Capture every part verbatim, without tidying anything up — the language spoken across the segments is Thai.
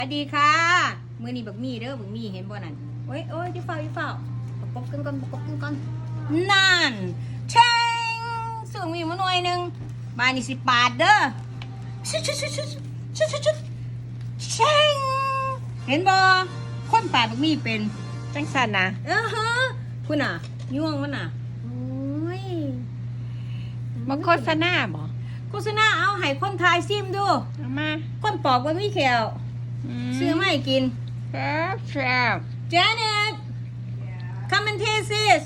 สวัสดีค่ะมือนี้บักมี่เด้อบักมี่เห็นบ่นั่นโอ้ยโอ้ยจะเฝ้าจะเฝ้าประกบกันก่อนประกบกันก่อนนั่นเชงสูงมีมาหน่วยหนึ่งบานี่สิบบาทเด้อชุดชุดชุดชุดชุดชุดชุดเชงเห็นบ่คนป่าบักมี่เป็นจังสันนะเออฮะคุณน่ะย่วงมันน่ะโอ้ยมาโฆษณาบ่โฆษณาเอาให้คนทายซิมดูเอามาคนปอกบักมี่แขวซื้อมาให้กินแซ่บแซ่บ Janet come and taste this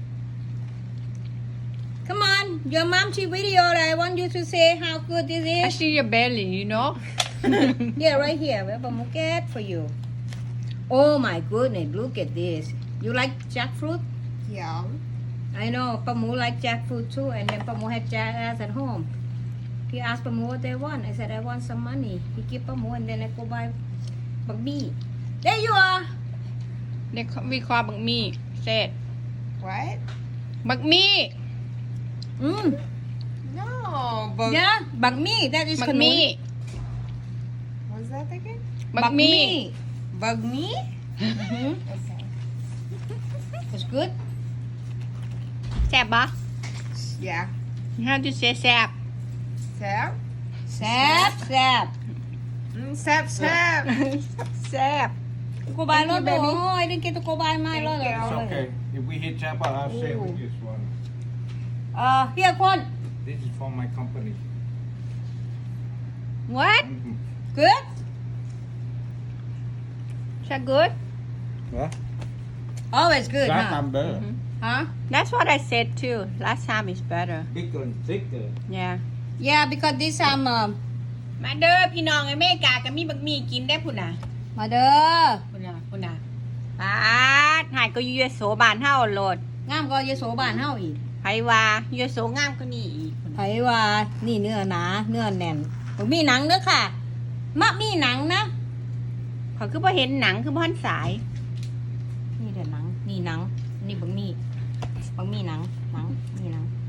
come on your mom she video I want you to say how good this I is see your belly you know yeah right here we have a moquette for you oh my goodness look at this you like jackfruit yeah I know Pamu like jackfruit too and then Pamu had jackass at home he asked Pamu what they want I said I want some money he give Pamu and then I go buy Bagby there you are เด็กวิเคราะห์บักมี่เสร็จ What? บักมี่อืม No, but yeah Bagby that is บักมี่ what's that again? บักมี่ Bug me? Mhm. Okay. It's good แซ่บปะ Yeah. How to say แซ่บ Sap? แซ่บแซ่บ Mm, sap, sap. แซ่บกูบายรถโอ้ยได้กินตัวกูบายไม่รถเลย It's okay. If we hit jackpot, I'll share with this one. เออเฮียคน This is for my company. What Mhm. good is that good What? always good That ฮะ I'm better. ฮะ That's what I said too last time is better Bigger and thicker. yeah yeah because this time เอ่อมาเด้อพี่น้องอเมริกาก็มีบักมี่กินได้พุ่นน่ะมาเด้อพุ่นน่ะพุ่นน่ะปาดหายก็อยู่ยโสบ้านเฮาโลดงามก็ยโสบ้านเฮาอีกไผว่าอยู่โสงามกว่านี้อีกพุ่นไผน่ะว่านี่เนื้อหนาเนื้อแน่นบ่มีหนังเด้อค่ะมะมีหนังนะเขาคือบ่เห็นหนังคือบ่ทันสายนี่เด้อหนังนี่หนังนี่บังมีบังมีหนังหนังนี่หนัง